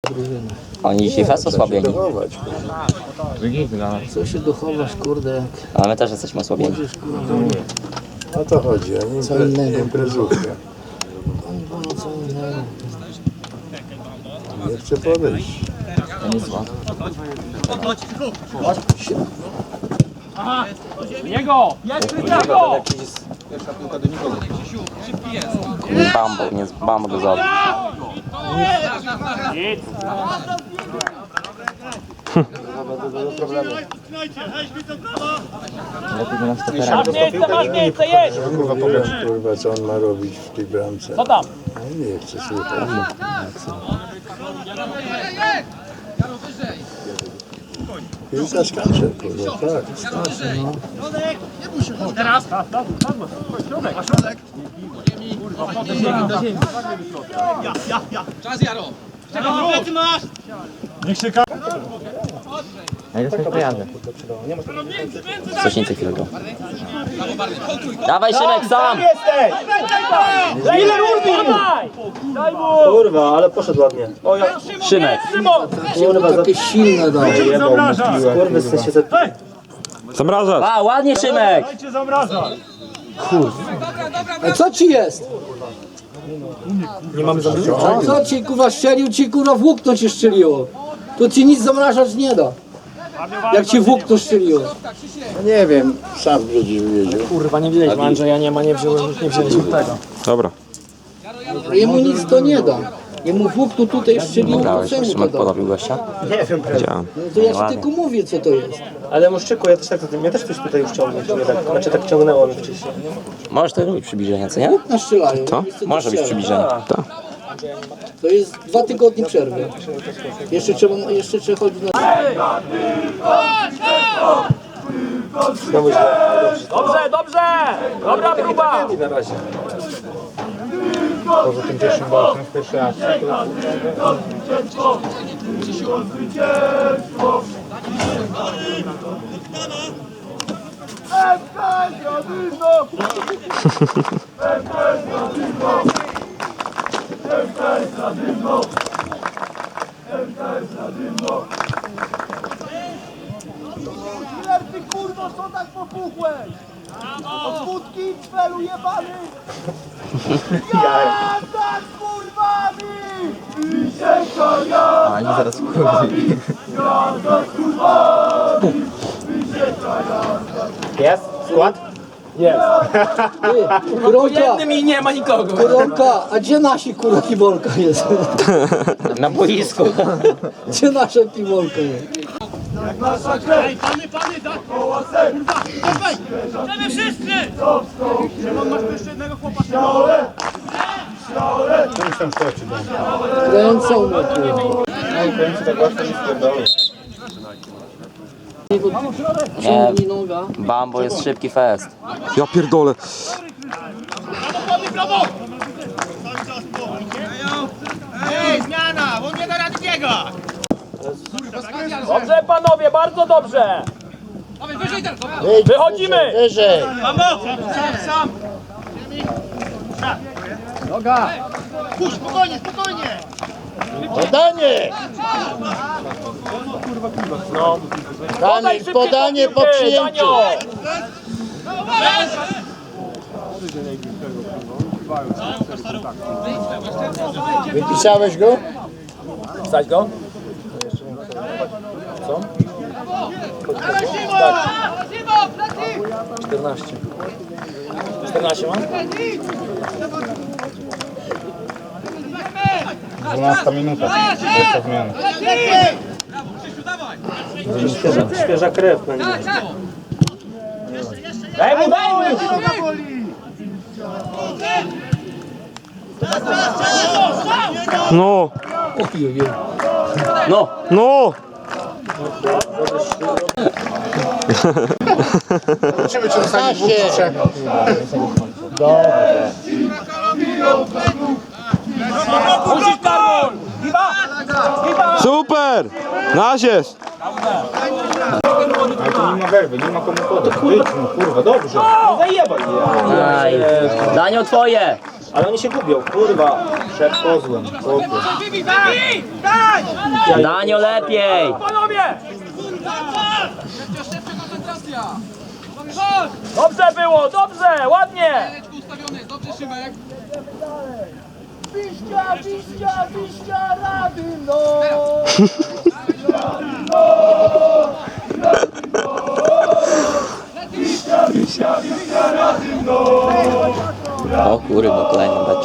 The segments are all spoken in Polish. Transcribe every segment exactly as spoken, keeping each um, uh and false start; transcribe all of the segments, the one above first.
Oni dzisiaj fest osłabieni. Co się dochowasz, kurde, jak Ale my też jesteśmy osłabieni. młodzież, kurde, O to chodzi, a nie co innego. imprezówkę. Oni wolno co innego. Nie chcę podejść. To nie zła. Jego! Jest Kryciako! Bambo, nie z Bambo do zabił. Masz miejsce, masz miejsce, jedź! Kurwa, powiedz, kurwa, co on ma robić w tej bramce. Co tam? No nie chcę słuchać. Piłka skacze, kurwa, tak. Skacze, no. Teraz! Środek! A środek? Ja, ja, ja! Czas, Jaro! Czego ty masz? Niech się ka... Coś nie chwilę. Dawaj Szymek sam! Ile rudy? Daj mu! Kurwa, ale poszedł ładnie. O, ja... Szymek! Kurwa, takie silne dał. Kurwy, w sensie... Zamrażać! A, ładnie Szymek! Dajcie zamraża! A co ci jest? Nie mamy zamrażania. A co ci, kurwa, strzelił ci, kurwa, włókno ci strzeliło. To ci nic zamrażać nie da. Jak ci włókno strzeliło. No nie wiem, sam przecież wiedział. Kurwa, nie wzięliśmy Andrzeja, nie ma, nie wziąłem, nie wzięliśmy tego. Dobra. Jemu nic to nie da. Jemu włókno tutaj strzeliło, to Grałeś, co jak mu to Szymek da? podobił gościa? Nie wiem, prawda. Widziałem. No to ja ci tylko mówię, co to jest. Ale Moszczyku, ja też tak, mnie też coś tutaj już ciągnie, mnie tak, znaczy tak ciągnęło mi wcześniej. Możesz to robić przybliżenie, co nie? Włókna strzelają. Co? Wiesz, to Może być strzela. przybliżenie. To jest dwa tygodnie przerwy. Jeszcze trzeba, jeszcze trzeba chodzić na... Znowu źle. Dobrze, dobrze! Dobra próba! I na razie. Poza tym pierwszym balkiem w pierwszy raz. Killer, ty kurwo, co tak popuchłeś? Od wódki cwelu jebany! Jazda z kurwami! I się kaja! A, nie zaraz wchodzi. Jest? Skład? Ty, Kuronka, I nie ma nikogo. Kuronka, a gdzie nasi kurwa kibolka jest? Na boisku. Gdzie nasza kibolka jest? Ej, pany, pany, tak! Dawaj! Chcemy wszyscy! Szymon, masz tu jeszcze jednego chłopa. Coś tam skoczy, dam. Kręcą mnie, kurwa. Nie, Ciągnij noga. Bambo jest szybki fest. Ja pierdolę. Prawo! Ej, zmiana! On nie da rady biega! Dobrze, panowie, bardzo dobrze! Wychodzimy! Wyżej! Mamo! Sam, sam! Noga! Puść, spokojnie, spokojnie! Podanie! Podaj Podanie, podanie po przyjęciu! Wypisałeś go? Wstać go? Co? czternaście. czternaście mam? dwunasta minuta. Jeszcze zmiana. Świeża, świeża krew na nim. Daj mu, daj mu! No! No! No! Zobaczymy, czy zostanie dwóch czy trzech. Musisz, Karol! Giba! Giba! Super! Nasz jest! nie ma werwy, nie ma komu podać. Wyjdź mu, kurwa, dobrze. No zajebaj je. Aj. Danio, twoje! Ale oni się gubią, kurwa. Przed kozłem, chłopie. Wybij, wybij! Daj! Danio, lepiej! Panowie! Dobrze było, dobrze, ładnie! Piścia, piścia, piścia, Radym, no! O kurwa, kolejny mecz.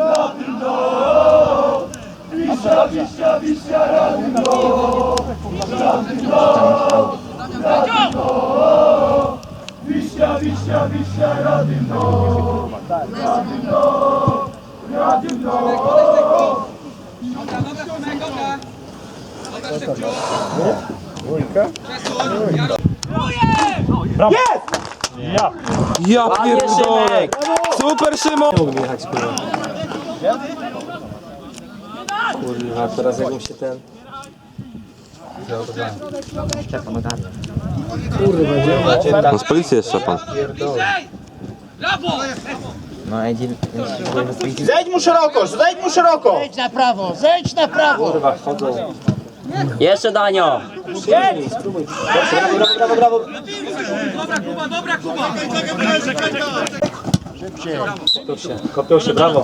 Ja Panie pierdolę! Szymek! Super, Szymon! Mógł jechać, kurwa. Kurwa, teraz jakbym się ten... Kurwa, gdzie macie? No z policji jest Szczepan. Zejdź mu szeroko, zejdź mu szeroko! Zejdź na prawo, zejdź na prawo! Kurwa, wchodzą. Jeszcze Danio! Spróbuj, spróbuj. Brawo, brawo, brawo, brawo. Kopią się, kopią się, brawo.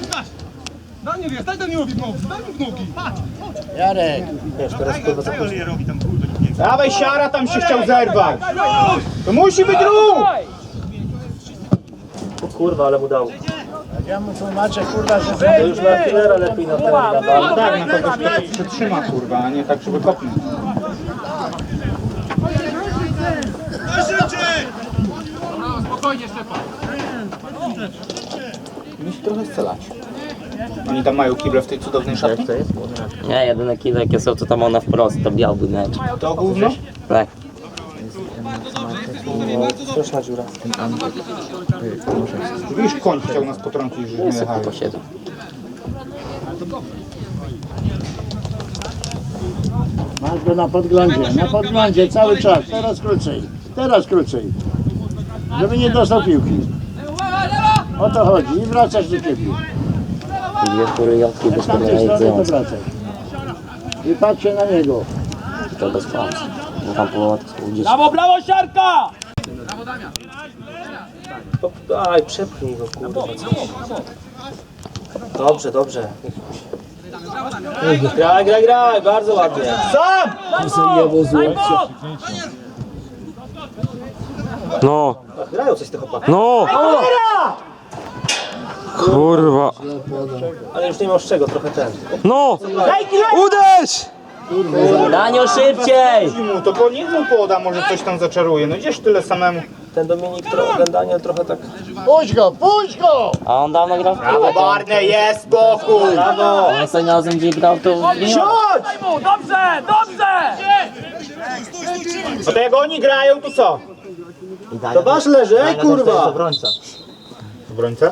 Jarek, Wiesz, teraz kurwa za późno. Dawaj, siara tam się chciał zerwać. To musi być ruch! O kurwa, ale mu dał. ja mu tłumaczę, kurwa, że To już na killera lepiej na ten Ale gadał. tak, na kogoś, kto się przytrzyma, kurwa, a nie tak, żeby kopnąć. Musi trochę strzelać. Oni tam mają kible w tej cudownej szatni? Nie, jedyne kile jakie są to tam ona wprost, to białby mecz. To gówno? Tak. Straszna dziura. Widzisz, koń chciał nas potrącić, że nie jechali. To siedzą. masz go na podglądzie, na podglądzie cały czas, teraz krócej, teraz krócej, żeby nie dostał piłki. O to chodzi i wracasz do ciebie. Dwie kury jolki bez Z tamtej strony to podglądające. wracaj. I patrzcie na niego. To bez szans. Bo tam połowa to są gdzieś. Brawo, brawo, siarka! Aj, przepchnij go, kurwa. Dobrze, dobrze. Graj, graj, graj, bardzo ładnie. Zajebał złocie. No, Grają coś te chłopaki. no! Kurwa! Ale już nie masz czego, trochę ten. No! Uderz! Danio, szybciej! Mu to po niech mu poda, może coś tam zaczaruje. No gdzież tyle samemu. Ten Dominik, tro- ten Daniel trochę tak... Puść go, puść go! A on dawno grał w piłkę. Brawo, Barney, jest spokój! Brawo! On ostatnim razem gdzie grał to... Daj mu, dobrze, dobrze! No to jak oni grają, to co? To wasz leży, ej kurwa! Obrońca?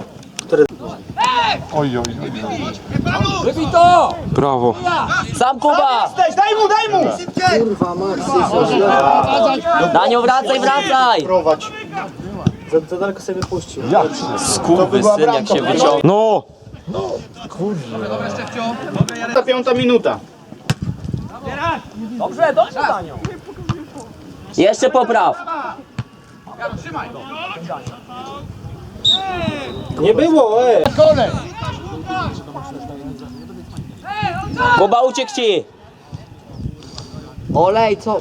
Wybij to! Brawo! Sam Kuba! Daj, daj mu, daj mu! Kurwa, Maxi, Danio, wracaj, wracaj! Prowadź. za, za daleko sobie wypuścił. Skurwysyn jak się wyciągnął. No! Ta piąta minuta. Dobrze, dobrze, Danio! Jeszcze popraw. Nie było, ej! Kole! Kuba, uciekł ci! Olej, co?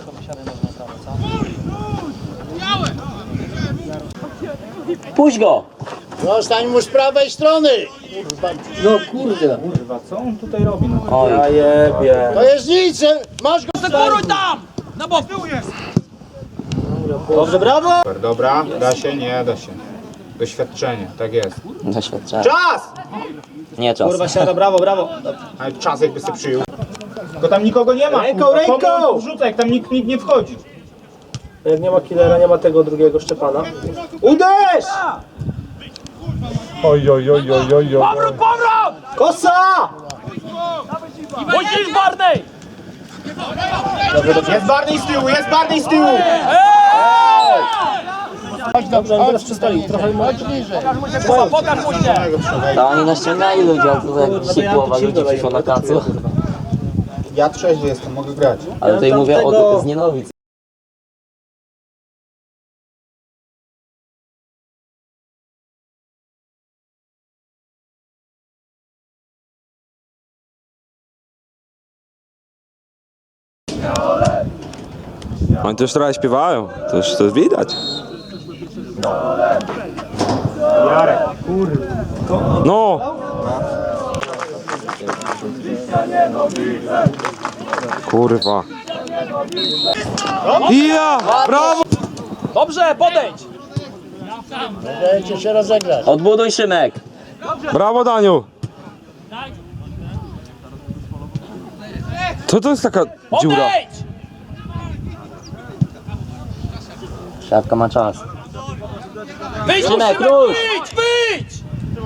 Puść go! Zostań mu z prawej strony! no kurde. Kurwa, co on tutaj robi? No? Oj, Ja jebie. To jest nic, masz go Sekuruj tam! Na bok! Tył jest! Dobrze, brawo! Super, dobra, da się, nie da się. Doświadczenie, tak jest. doświadczenie. Czas! Nie czas. Kurwa, siada, brawo, brawo. Ale czas jakby sobie przyjął. Tylko tam nikogo nie ma. Ręką, kurwa. ręką! Komu on wrzuca, jak tam nikt, nikt nie wchodzi. Jak nie ma killera, nie ma tego drugiego Szczepana. Uderz! Oj, oj, oj, oj, oj, Powrót, powrót! Kosa! Musisz, Barney! Jest Barney z tyłu, jest Barney z tyłu! Ej! Chodź dobrze, chodź przystoi, trochę chodź bliżej. To oni naściągali ludzi, a to jak dzisiaj połowa ludzi przyszło na kacu. Ja trzeźwy jestem, mogę grać. Ale tutaj mówię o z Nienowic. Oni też trochę śpiewają, to już to widać. Jarek, kurwa. No! Kurwa. Ja! Brawo! Dobrze, podejdź! Dajcie się rozegrać. Odbuduj, Szymek. Brawo, Daniu! Co to jest taka dziura? Podejdź! Szafka ma czas. Wyjdź, Szymek, Szymek, rusz! wyjdź, wyjdź!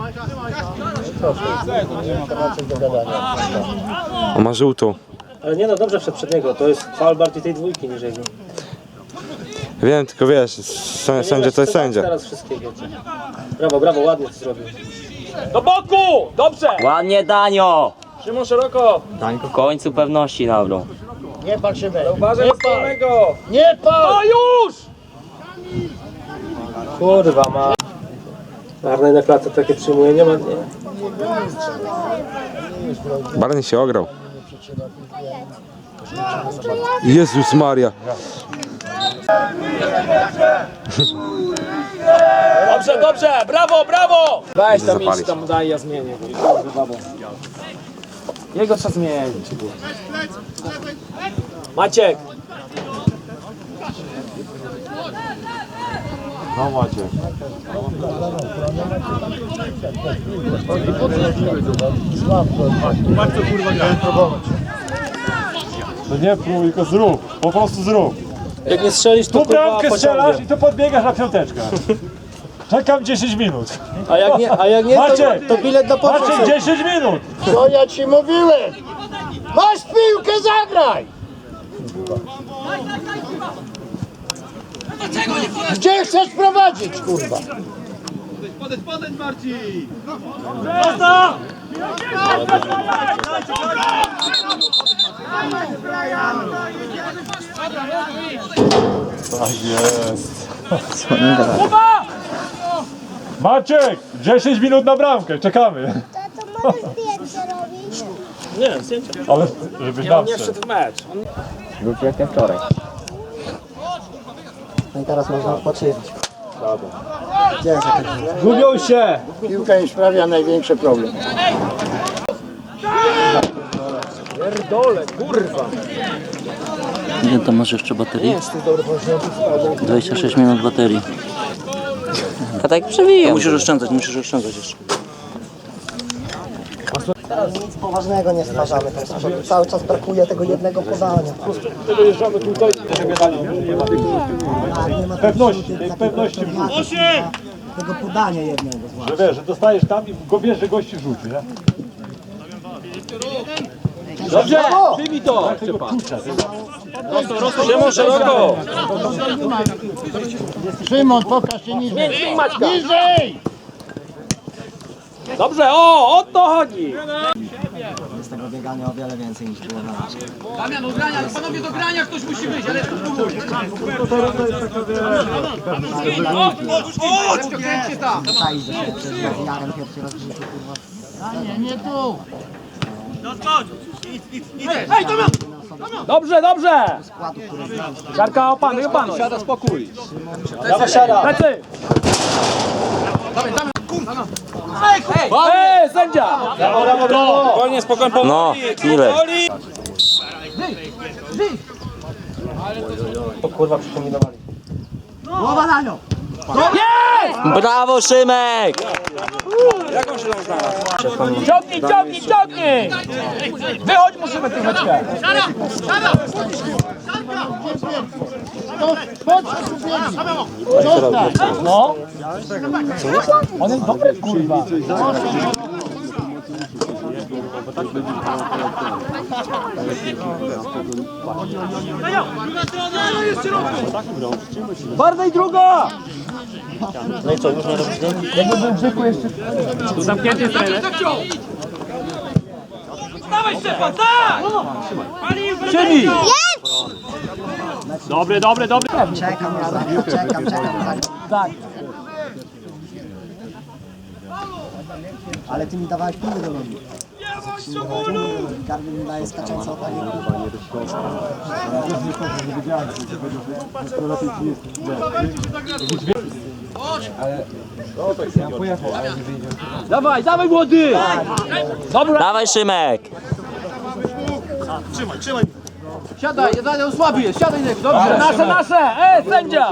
On ma żółtą. Ale nie no, dobrze wszedł przed niego, to jest faul bardziej tej dwójki niż jego. Wiem, tylko wiesz, sę- sędzia to jest sędzia. Teraz wszystkiego. Brawo, brawo, ładnie to zrobił. Do boku! Dobrze! Ładnie, Danio! Szymon szeroko! W końcu pewności nabrał. Nie pal się weź. Uważaj Nie z pal. samego! Nie pal! O, już! Kurwa ma. Arnej na klatce takie przyjmuje, nie ma... Nie. Barney się ograł. Jezus Maria. Dobrze, dobrze! Brawo, brawo! Weź tam Zapalić. idź tam, daj, ja zmienię go. Kurwa, babo. Jego trzeba zmienić. Maciek! No Macie. No nie próbuj, tylko zrób. Po prostu zrób. Jak nie strzelisz, to Tu kurwa bramkę strzelasz pociągnie. i tu podbiegasz na piąteczkę. Czekam dziesięć minut. A jak nie, a jak nie to, Maciek! to bilet do Maciek, pomocy. dziesięć minut! Co ja ci mówiłem? Masz piłkę, zagraj! Gdzie chcesz prowadzić, kurwa? Maciek, dziesięć minut na bramkę, czekamy. Tato, możesz zdjęcie robić? Nie, zdjęcia. Ale żebyś Nie, nam on nie wszedł. wszedł w mecz. Wróć jak wczoraj. No i teraz można odpoczywać. Gubią się! Piłka im sprawia największy problem. Pierdole, kurwa! Ile to masz jeszcze baterii? dwadzieścia sześć minut baterii. A tak przewijam. Musisz oszczędzać, musisz oszczędzać jeszcze. Teraz nic poważnego nie stwarzamy tam z przodu. Cały czas brakuje tego jednego podania. Pewności, tej pewności w rzucie. Tego podania jednego. Że wiesz, że dostajesz tam i go wiesz, że gości rzuci, nie? Dobrze! Przyjmij to! Szymon szeroko! Szymon, pokaż się niżej. Niżej! Dobrze, o! O to chodzi! Z tego biegania o wiele więcej niż było na razie. Damian, do grania! Panowie, do grania ktoś musi wyjść, ale spróbuj! Czaisz, że się przed Jarem pierwszy raz w życiu, kurwa. Nie, nie tu. Dobrze, dobrze! Składu, który znam. Siarka, opanuj, opanuj! Siada, spokój! Dawaj, siada! Lecy! Ej, sędzia! Brawo, brawo, brawo! Spokojnie, spokojnie, powoli! No, killer. powoli. O kurwa, przypominowali. Głowa na nią! Brawo, Szymek! Ciągnij, ciągnij, ciągnij! Wychodź, musimy troszeczkę! No! On jest dobry, kurwa! Bardziej druga! No i co, już nie robisz nie? Tu zamknięty jest trener. Dawaj Szczepan, tak! Siedzi! Dobry, dobry, dobry. Czekam, ja czekam, czekam. Tak. Ale ty mi dawałeś piłę do nogi. Garby mi daje skaczące opanie. Dawaj, dawaj młody! Dawaj Szymek! Siadaj, jeden słaby jest, siadaj niego, dobrze. Nasze, nasze! Ej, sędzia!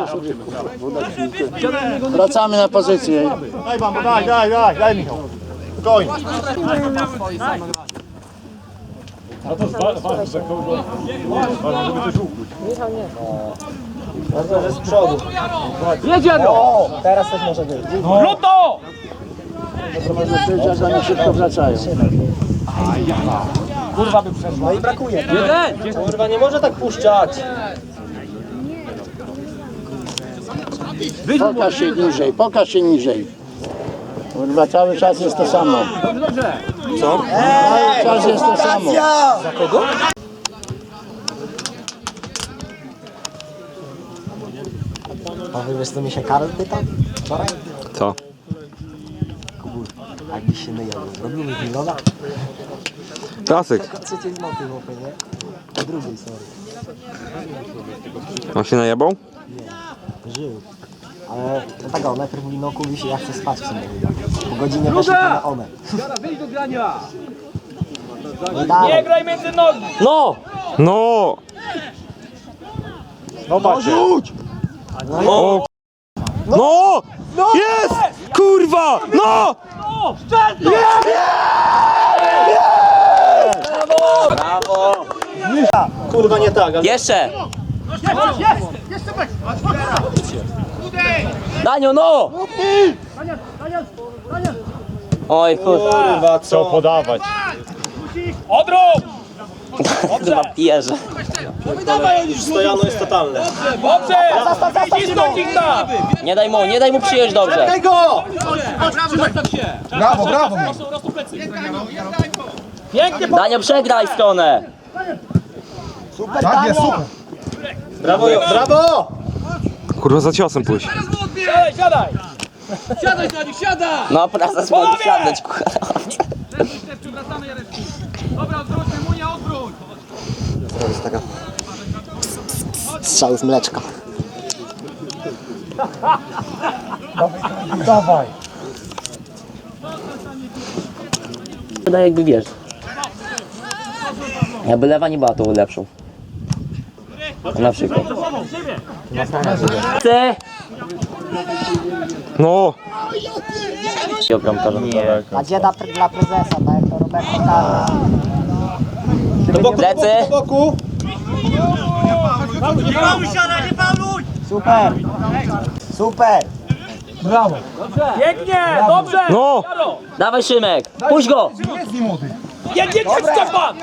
Wracamy na pozycję. Daj bambo, daj, daj, daj, daj Michał. Spokojnie. No to ważne, że kogo... Ważne, żeby coś ukłuć. Bardzo, że z przodu. Jedziemy! O, teraz też może być. Luto! To może być, że za nie szybko wracają. Kurwa by przeszła. No i brakuje. Jeden! Kurwa, nie może tak puszczać. Pokaż się niżej, pokaż się niżej. Kurwa, cały czas jest to samo. Co? Cały czas jest to samo. Za kogo? A wy wiesz co mi się Karol pytał wczoraj? Co? Kubur, jakbyś się myjał, robiłeś miliona? Klasyk. Trzeciej z mopy, mopy, nie? Po drugiej, sorry. On się najebał? Żył. Ale no tak, on najpierw mówi, no kubi się, ja chcę spać w sumie. Po godzinie weszli to na one. Wyjdź do grania! No i dalej. Nie graj między nogi! No! No! No macie. O! No! Jest! Kurwa! No! Kurwa, nie tak, ale... Jeszcze! Danio, no! Oj, kurwa, Kurwa, Co co? podawać? Odrób! chyba pierze. Stojano jest totalne. Dobrze! Cisnąć ich tam! Nie daj mu, nie daj mu przyjąć dobrze. Tego! Brawo, brawo. Pięknie! Danio, przegraj stronę. Tak jest, super. Brawo, Jo- brawo! Kurwa, za ciosem pójść. Siadaj, siadaj! Siadaj na nich, siadaj! No, prezes może siadać, kurwa. Dobra, odwróćmy, Munia, odwróć! To jest taka... Strzał z mleczka. Dawaj! Wydaje jakby wiesz. Jakby lewa nie była tą lepszą. Na przykład. Chcę! No! I bramkarza. A dzieda pre- dla prezesa, tak jak to Roberto Carlos. Do boku, do Plecy. boku, do boku. Nie paluj, siadaj, nie paluj! Super! Super! Pięknie! Dobrze! No! Dawaj Szymek, puść go! Jedzie cię Szczepan!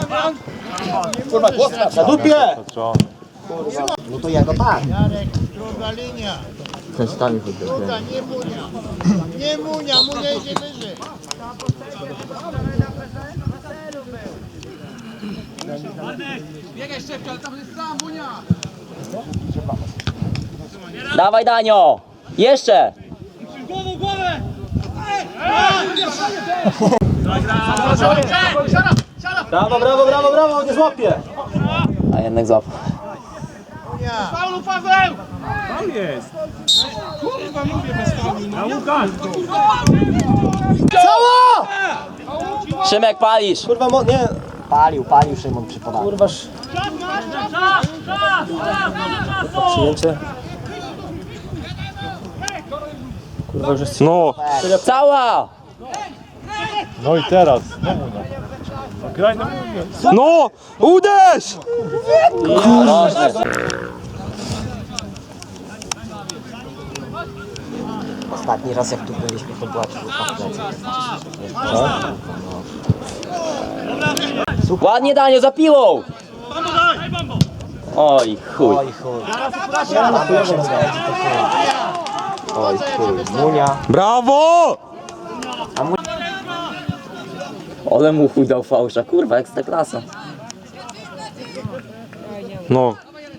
Na dupie! No to jego tak. Nie Munia, Munia idzie wyżej. Biegaj Szczepka, ale tam jest sam, Munia! Dawaj Danio! Jeszcze! Głową, głowę! Brawo, brawo, brawo, brawo, nie złapie! A jednak złapał. Paulu, Paweł! Tam jest! Kurwa, mówię bez faulu. A Łukasz! Szymek, palisz! Kurwa, mo... nie. Palił, palił Szymon przy podaniu. Kurwa, sz... przyjęcie. Kurwa, już jest... No! Cała! No i teraz, no Munia. No, graj na Munię. No! Uderz! Ostatni raz jak tu byliśmy, to była czwórka w plecy. Ładnie, Daniel, za piłą! Oj, chuj. Oj chuj. Ja na chuj się rozgadzi, to chuj. Oj chuj. Munia. Brawo! Ale mu chuj dał fałsza, kurwa, ekstraklasa. No.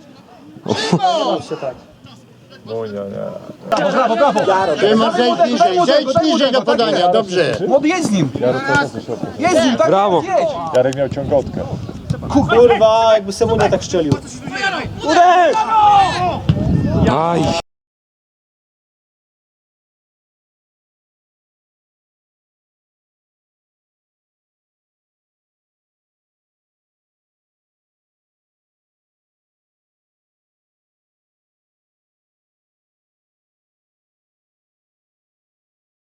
Szymon, zejdź niżej, zejdź niżej do podania, dobrze. Młody, jedź z nim! Jedź z nim, tak? Brawo. Jedź! Jarek miał ciągotkę. Kurwa, jakby Semunia tak strzelił. Aj.